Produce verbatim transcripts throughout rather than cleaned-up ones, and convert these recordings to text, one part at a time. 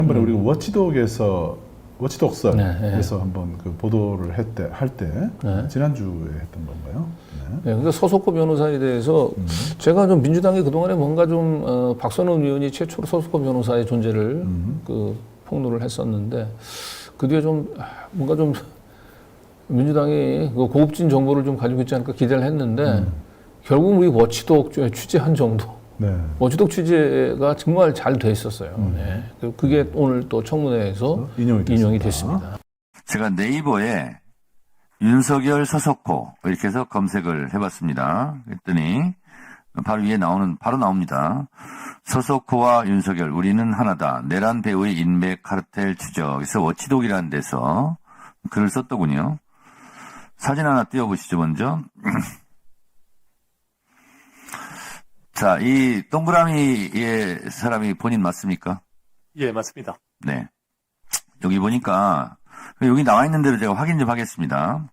한번에 음. 우리가 워치독에서 워치독서에서 네, 네. 한번 그 보도를 했때 할 때 네. 지난주에 했던 건가요? 네. 네, 그러니까 서석호 변호사에 대해서 음. 제가 좀 민주당이 그동안에 뭔가 좀 어, 박선원 의원이 최초로 서석호 변호사의 존재를 음. 그 폭로를 했었는데 그 뒤에 좀 아, 뭔가 좀 민주당이 그 고급진 정보를 좀 가지고 있지 않을까 기대를 했는데 음. 결국 우리 워치독 취재한 정도. 네. 워치독 취재가 정말 잘 돼 있었어요. 음. 네. 그리고 그게 오늘 또 청문회에서 인용이 됐습니다. 인용이 됐습니다. 제가 네이버에 윤석열 서석호 이렇게 해서 검색을 해봤습니다. 그랬더니 바로 위에 나오는 바로 나옵니다. 서석호와 윤석열 우리는 하나다. 내란 배우의 인맥 카르텔 추적에서 워치독이라는 데서 글을 썼더군요. 사진 하나 띄워보시죠 먼저. 자, 이 동그라미의 사람이 본인 맞습니까? 예, 맞습니다. 네. 여기 보니까 여기 나와 있는 대로 제가 확인 좀 하겠습니다.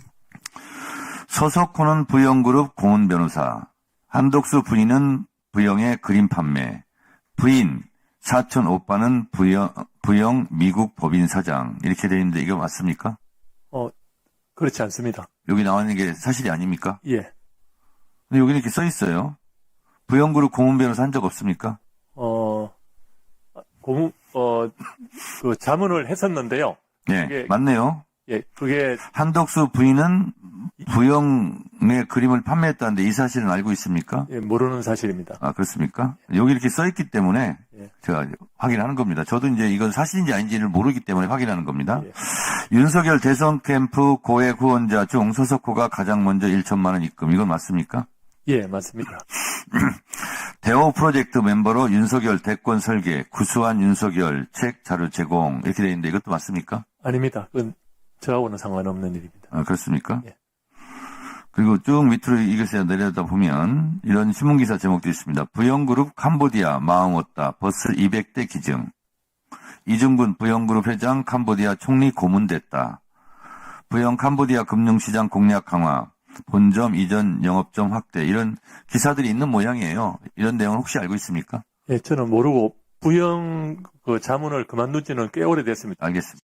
서석호는 부영그룹 고문 변호사, 한독수 부인은 부영의 그림 판매, 부인 사촌 오빠는 부영, 부영 미국 법인 사장 이렇게 되어 있는데 이거 맞습니까? 어, 그렇지 않습니다. 여기 나와 있는 게 사실이 아닙니까? 예. 근데 여기 이렇게 써 있어요. 부영그룹 고문 변호사 한 적 없습니까? 어, 고문, 어, 그 자문을 했었는데요. 네, 그게- 맞네요. 예, 그게, 한독수 부인은 부영의 그림을 판매했다는데 이 사실은 알고 있습니까? 예, 모르는 사실입니다. 아, 그렇습니까? 여기 이렇게 써 있기 때문에 예. 제가 확인하는 겁니다. 저도 이제 이건 사실인지 아닌지를 모르기 때문에 확인하는 겁니다. 예. 윤석열 대선 캠프 고액 후원자 중 서석호가 가장 먼저 천만 원 입금. 이건 맞습니까? 예, 맞습니다. 대호 프로젝트 멤버로 윤석열 대권 설계, 구수한 윤석열 책 자료 제공 이렇게 되어 있는데 이것도 맞습니까? 아닙니다. 그건 저하고는 상관없는 일입니다. 아, 그렇습니까? 예. 그리고 쭉 밑으로 이것에 내려다 보면 이런 신문기사 제목도 있습니다. 부영그룹 캄보디아 마음 얻다 버스 이백 대 기증. 이중근 부영그룹 회장 캄보디아 총리 고문됐다. 부영 캄보디아 금융시장 공략 강화. 본점 이전 영업점 확대. 이런 기사들이 있는 모양이에요. 이런 내용은 혹시 알고 있습니까? 예, 저는 모르고 부영 그 자문을 그만둔 지는 꽤 오래됐습니다. 알겠습니다.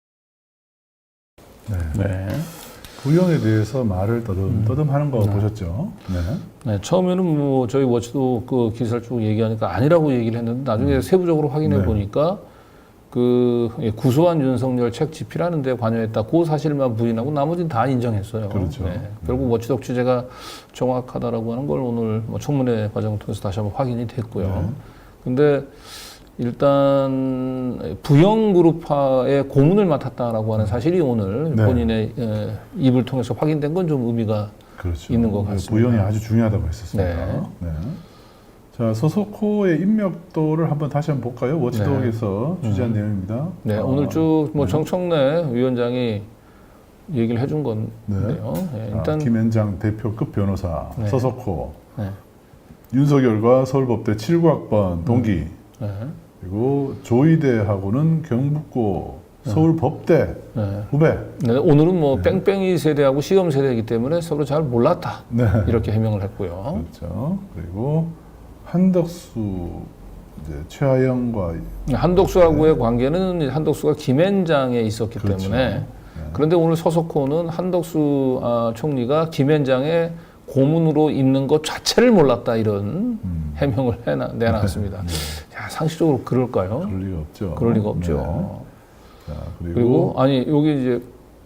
네. 네. 부영에 대해서 말을 떠듬 떠듬 하는 거 네. 보셨죠? 네. 네, 처음에는 뭐 저희 워치도 그 기사를 쭉 얘기하니까 아니라고 얘기를 했는데 나중에 세부적으로 확인해 네. 보니까 그 예, 구수한 윤석열 책 집필하는 데 관여했다. 그 사실만 부인하고 나머지는 다 인정했어요. 그렇죠. 네, 결국 워치독 취재가 정확하다라고 하는 걸 오늘 뭐 청문회 과정을 통해서 다시 한번 확인이 됐고요. 네. 근데 일단 부영그룹파의 고문을 맡았다라고 하는 사실이 오늘 네. 본인의 에, 입을 통해서 확인된 건 좀 의미가 그렇죠. 있는 것 같습니다. 부영이 아주 중요하다고 했었습니다. 네. 네. 자, 서석호의 인맥도를 한번 다시 한번 볼까요? 워치독에서 취재한 음. 내용입니다. 네, 아, 오늘 쭉 뭐 네. 정청래 위원장이 얘기를 해준 건데요. 네. 네, 자, 일단 김현장 대표급 변호사 네. 서석호, 네, 윤석열과 서울법대 칠구 학번 동기, 네, 그리고 조이대하고는 경북고 서울법대 네. 후배. 네, 오늘은 뭐 뺑뺑이 세대하고 시험 세대이기 때문에 서로 잘 몰랐다 네. 이렇게 해명을 했고요. 그렇죠. 그리고 한덕수 이제 최하영과 한독수하고의 관계는 한독수가 김앤장에 있었기 그렇죠. 때문에 네. 그런데 오늘 서석호는 한덕수 아, 총리가 김앤장의 고문으로 있는 것 자체를 몰랐다 이런 음. 해명을 해나, 내놨습니다. 네. 야, 상식적으로 그럴까요? 그럴 리가 없죠. 그럴 리가 없죠. 네. 자, 그리고, 그리고 아니 여기 이제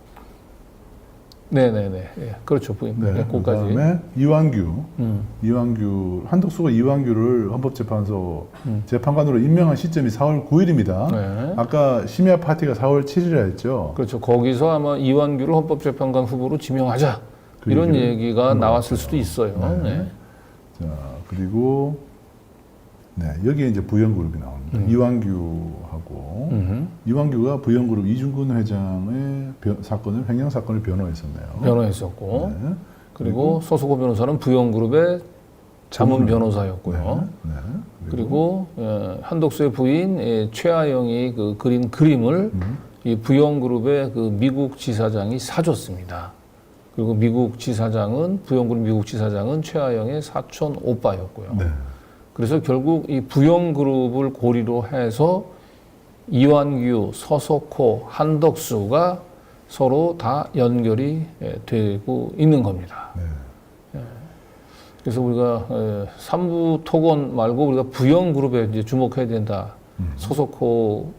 네네네 예, 그렇죠 부인 네, 네, 거기까지 그다음에 이완규, 음, 이완규 한덕수가 이완규를 헌법재판소 음. 재판관으로 임명한 시점이 사월 구일입니다. 네. 아까 심야 파티가 사월 칠일에 했죠. 그렇죠 거기서 아마 이완규를 헌법재판관 후보로 지명하자 그 이런 얘기를 얘기가 한것 나왔을 같아요. 수도 있어요. 네. 네. 자, 그리고 네, 여기에 이제 부영그룹이 나옵니다. 음. 이완규하고 음흠. 이완규가 부영그룹 이중근 회장의 변- 사건을 횡령 사건을 변호했었네요. 변호했었고 네. 그리고 서수고 변호사는 부영그룹의 자문 고문을. 변호사였고요. 네. 네. 그리고 어, 한독수의 부인 예, 최하영이 그 그린 그림을 음. 이 부영그룹의 그 미국 지사장이 사줬습니다. 그리고 미국 지사장은 부영그룹 미국 지사장은 최하영의 사촌 오빠였고요. 네. 그래서 결국 이 부영그룹을 고리로 해서 이완규, 서석호, 한덕수가 서로 다 연결이 예, 되고 있는 겁니다. 네. 예. 그래서 우리가 예, 삼부 토건 말고 우리가 부영 그룹에 이제 주목해야 된다. 음. 서석호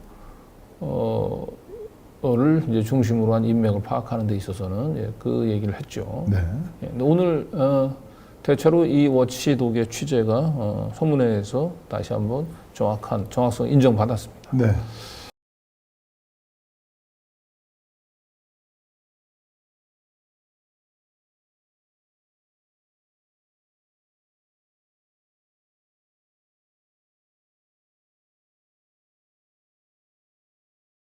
어를 이제 중심으로 한 인맥을 파악하는 데 있어서는 예, 그 얘기를 했죠. 네. 예, 근데 오늘 어, 대체로 이 워치독의 취재가 어, 소문회에서 다시 한번 정확한 정확성 인정받았습니다. 네.